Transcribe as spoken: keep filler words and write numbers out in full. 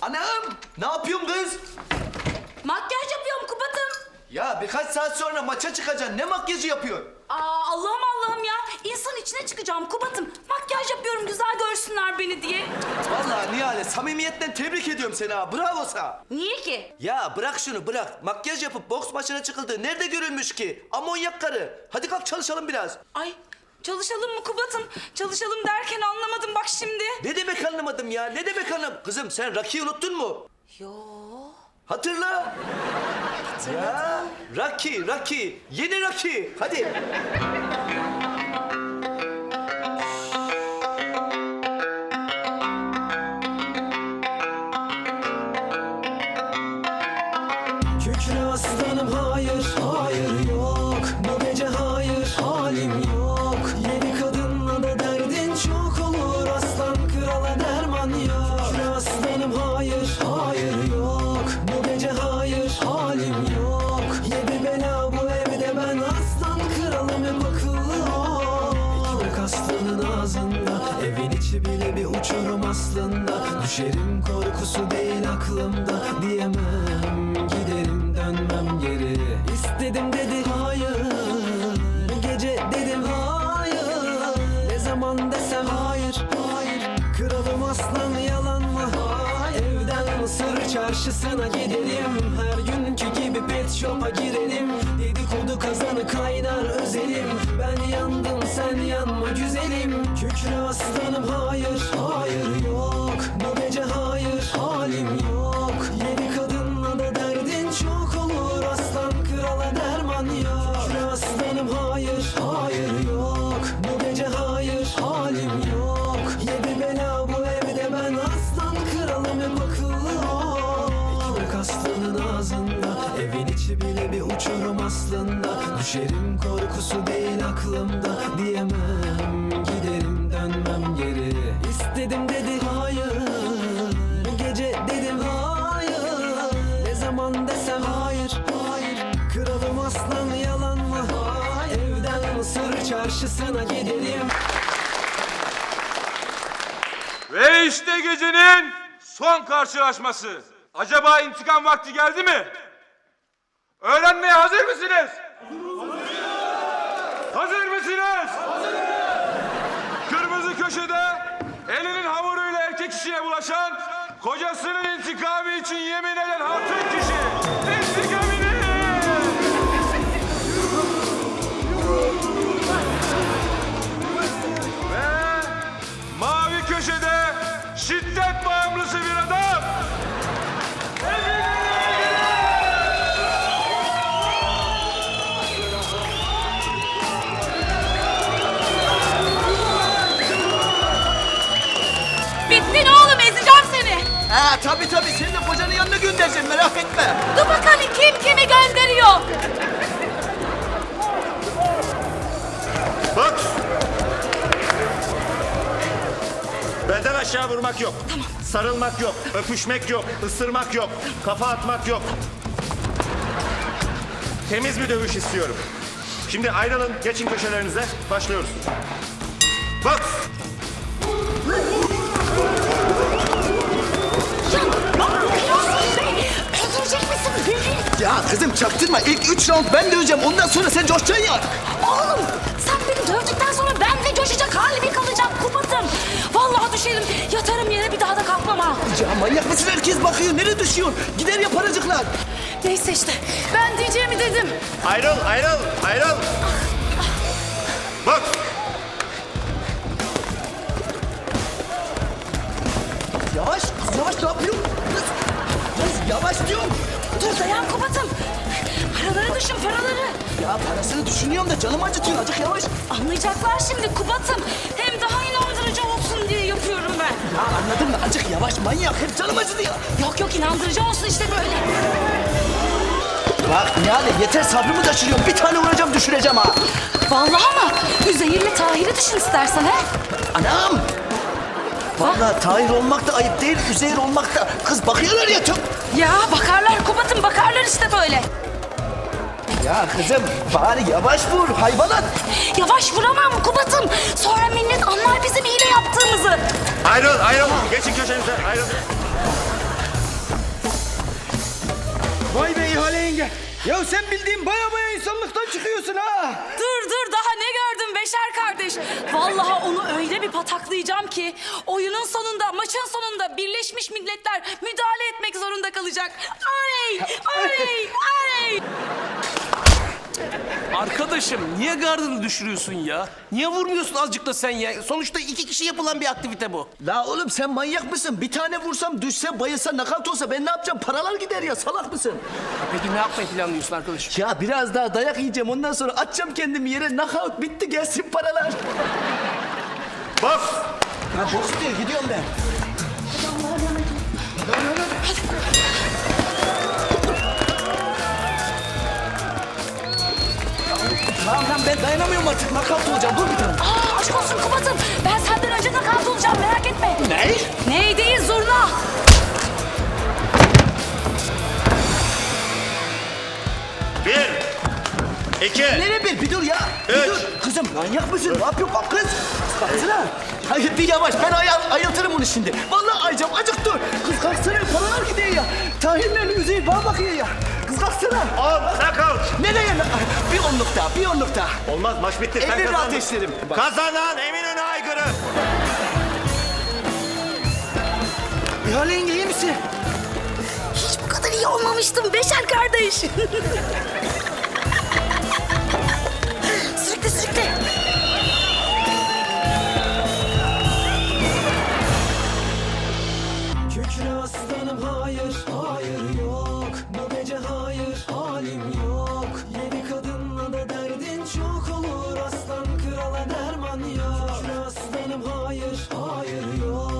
Anam! Ne yapıyorsun kız? Makyaj yapıyorum Kubat'ım. Ya birkaç saat sonra maça çıkacaksın. Ne makyajı yapıyorsun? Aa Allah'ım Allah'ım ya. İnsan içine çıkacağım Kubat'ım. Makyaj yapıyorum güzel görsünler beni diye. Vallahi Nihale samimiyetten tebrik ediyorum seni ha. Bravo sana. Niye ki? Ya bırak şunu bırak. Makyaj yapıp boks maçına çıkıldı. Nerede görülmüş ki? Amonyak karı. Hadi kalk çalışalım biraz. Ay çalışalım mı Kubat'ım? Çalışalım derken anlamadım bak şimdi. Ne demek anlamadım ya? Ne demek anlam? Kızım sen Rocky'yi unuttun mu? Yo. Hatırla. Ya Rocky, Rocky. Yeni Rocky. Hadi. Kükre aslanım hayır, hayır yok. Bu gece hayır, halim yok. Yedi kadınla da derdin çok olur. Aslan krala derman yok. Kükre aslanım hayır, hayır yok. Bu gece hayır, halim yok. Yedi bela bu evde ben aslan kralım hep akıllı ol. Ekmek aslanın ağzında, evin içi bile bir uçurum aslında. Düşerim korkusu değil aklımda, diyemem giderim dönmem geri. İstedim dedi hayır, bu gece dedim hayır. Ne zaman desem hayır, hayır. Kralım aslan yalan mı? Evden Mısır çarşısına gidelim. Her günkü gibi pet shop'a girelim. Dedikodu kazanı kaynar özelim. Ben yandım sen yanma güzelim. Kükre aslanım hayır, hayır yok. Bu gece hayır, halim yok. Yedi kadınla da derdin çok olur. Aslan krala derman yok. Kükre aslanım hayır, hayır yok. Bu gece hayır, halim yok. Yedi bela bu evde ben aslan kralım hep akıllı ol. Ekmek aslanın ağzında, evin içi bile bir uçurum aslında. Düşerim korkusu değil aklımda, diyemem giderim dönmem geri. İstedim dedi hayır, bu gece dedim hayır. Ne zaman desem hayır, hayır. Kralım aslan yalan mı? Evden Mısır çarşısına gidelim. Ve işte gecenin son karşılaşması. Acaba intikam vakti geldi mi? Öğrenmeye hazır mısınız? Hazır mısınız? Kırmızı köşede elinin hamuruyla erkek kişiye bulaşan, kocasının intikamı için yemin eden hatun kişi. İntikamını! Ve mavi köşede şiddet bağımlısı bir adam. Bittin oğlum ezeceğim seni. Ha tabii tabii seni de kocanın yanına göndereceğim merak etme. Dur bakalım kim kimi gönderiyor. Bak! Belden aşağı vurmak yok. Tamam. Sarılmak yok, öpüşmek yok, ısırmak yok, kafa atmak yok. Temiz bir dövüş istiyorum. Şimdi ayrılın, geçin köşelerinize. Başlıyoruz. Bak! Öldürecek misin beni? Ya kızım çaktırma ilk üç round ben döveceğim ondan sonra sen coşacaksın ya. Oğlum sen beni dövdükten sonra ben de coşacak halimi kalacak Kubat'ım. Vallahi düşerim yatarım yere bir daha da kalkmam ha. Ya manyak mısın herkes bakıyor nereye düşüyorsun? Gider ya paracıklar. Neyse işte ben diyeceğimi dedim. Ayrıl, ayrıl, ayrıl! Bak! Yavaş kız yavaş ne yapıyorsun? Kız, kız yavaş diyorum. Dur dayan Kubat'ım. Paraları düşün paraları. Ya parasını düşünüyorum da canım acıtıyor azıcık yavaş. Anlayacaklar şimdi Kubat'ım. Hem daha inandırıcı olsun diye yapıyorum ben. Ya anladın mı azıcık yavaş manyak hep canım acıdı ya. Yok yok inandırıcı olsun işte böyle. Bak yani yeter sabrımı taşırıyorum bir tane vuracağım düşüreceğim ha. Vallahi ama Üzeyir'le Tahir'i düşün istersen he. Anam. Vallahi Tahir olmak da ayıp değil, Üzeyir olmak da. Kız bakıyorlar ya çok. Ya bakarlar Kubat'ım bakarlar işte böyle. Ya kızım bari yavaş vur hayvanat. Yavaş vuramam Kubat'ım. Sonra millet anlar bizim hile yaptığımızı. Ayrıl, ayrıl! Geçin köşenize, ayrıl! Vay be İhale yenge. Ya sen bildiğin baya baya insanlıktan çıkıyorsun ha. Dur dur daha ne gördün Beşer kardeş? Vallahi onu öyle bir pataklayacağım ki oyunun sonunda, maçın sonunda Birleşmiş Milletler müdahale etmek zorunda kalacak. Oley! Oley! Oley! Arkadaşım niye gardını düşürüyorsun ya? Niye vurmuyorsun azıcık da sen ya? Sonuçta iki kişi yapılan bir aktivite bu. La oğlum sen manyak mısın? Bir tane vursam, düşse, bayılsa, nakavt olsa ben ne yapacağım? Paralar gider ya, salak mısın? Peki ne yapmayı planlıyorsun arkadaşım? Ya biraz daha dayak yiyeceğim, ondan sonra atacağım kendimi yere, nakavt, bitti, gelsin paralar. Boks. Ya boks diyor, gidiyorum ben. Tamam lan ben dayanamıyorum artık, nakavt olacağım, dur bir tane. Aa aşk olsun Kubat'ım. Ben senden önce nakavt olacağım merak etme. Ne? Ney değil zurna. Bir. İki. Nereye bir, bir dur ya. Bir Üç. dur. Kızım manyak mısın? Ne yapıyorsun bak kız? Kalksana. Hayır bir yavaş, ben ayal, ayıltırım onu şimdi. Vallahi ayacağım, acık dur. Kız kalksana, paralar gidiyor ya. Tahirlerle Üzeyir bana bakıyor ya. Kız kalksana. On. Knockout. Nereye? Bir onluk daha, bir onluk daha. Olmaz maç bitti. Sen Ellerini kazandın. ateşlerim. Bak. Kazanan Eminönü Aygır'ı. İhale yenge iyi misin? Hiç bu kadar iyi olmamıştım Beşer kardeş. Sürükle sürükle. Kükre aslanım hayır, hayır yok. Bu gece hayır, halim yok. Yedi kadınla da derdin çok olur. Aslan krala derman yok. Kükre aslanım hayır, hayır yok.